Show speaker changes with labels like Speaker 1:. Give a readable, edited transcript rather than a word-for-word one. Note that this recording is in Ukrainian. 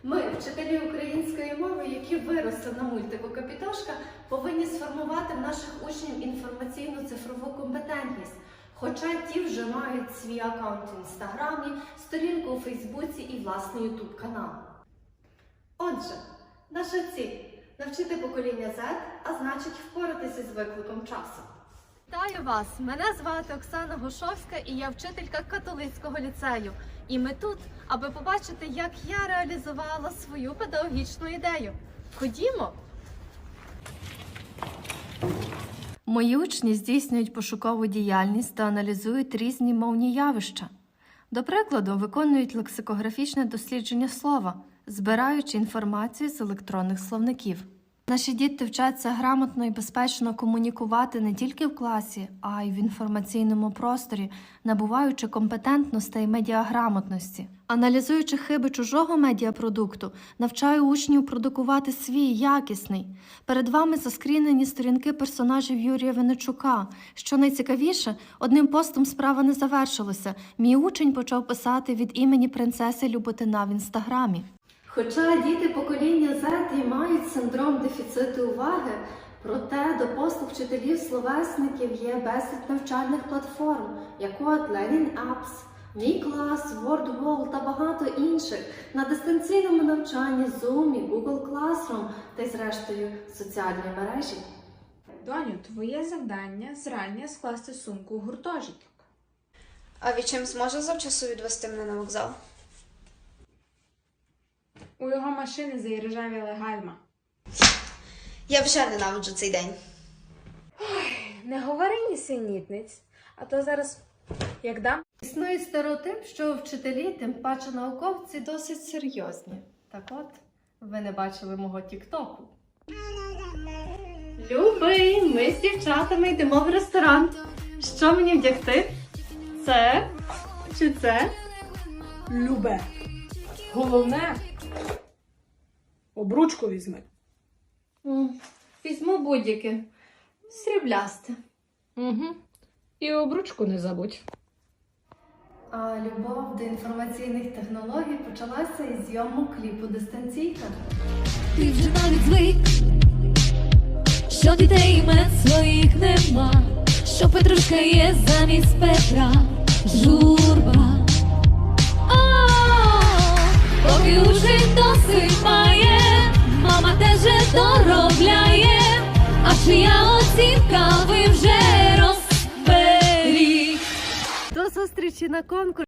Speaker 1: Ми, вчителі української мови, які виросли на мультику «Капітошка», повинні сформувати в наших учнів інформаційну цифрову компетентність. Хоча ті вже мають свій аккаунт в Інстаграмі, сторінку у Фейсбуці і власний Ютуб канал. Отже, наша ціль – навчити покоління Z, а значить впоратися з викликом часу. Вітаю вас! Мене звати Оксана Гушовська і я вчителька католицького ліцею. І ми тут, аби побачити, як я реалізувала свою педагогічну ідею. Ходімо! Мої учні здійснюють пошукову діяльність та аналізують різні мовні явища. До прикладу, виконують лексикографічне дослідження слова, збираючи інформацію з електронних словників. Наші діти вчаться грамотно і безпечно комунікувати не тільки в класі, а й в інформаційному просторі, набуваючи компетентностей медіаграмотності. Аналізуючи хиби чужого медіапродукту, навчаю учнів продукувати свій якісний. Перед вами заскрінені сторінки персонажів Юрія Винничука. Що найцікавіше, одним постом справа не завершилася. Мій учень почав писати від імені принцеси Люботина в Інстаграмі. Хоча діти покоління Z і мають синдром дефіциту уваги, проте до послуг вчителів-словесників є безліч навчальних платформ, як от Learning Apps, Мій клас, WordWall та багато інших, на дистанційному навчанні Zoom, Google Classroom та й зрештою соціальні мережі.
Speaker 2: Доню, твоє завдання зрання скласти сумку у гуртожиток.
Speaker 3: А відчим зможе завчасу відвести мене на вокзал?
Speaker 2: У його машини заіржавіла гальма.
Speaker 3: Я вже ненавиджу цей день.
Speaker 2: Не говори нісенітниць, а то зараз як дам.
Speaker 1: Існує стереотип, що вчителі, тим паче науковці, досить серйозні. Так от, ви не бачили мого тіктоку. Любий, ми з дівчатами йдемо в ресторан. Що мені вдягти? Це? Чи це?
Speaker 4: Любе. Головне, обручку візьми.
Speaker 1: Візьму будь-яке. Сріблясте.
Speaker 4: Угу. І обручку не забудь.
Speaker 1: А любов до інформаційних технологій почалася із зйомок кліпу «Дистанційка».
Speaker 5: Ти вже навіть звик, що дітей імен своїх нема, що Петрушка є замість Петра, журба. Поки уже досить має, мама теж доробляє, а чия оцінка ви вже розберіть.
Speaker 1: До зустрічі на конкурсі!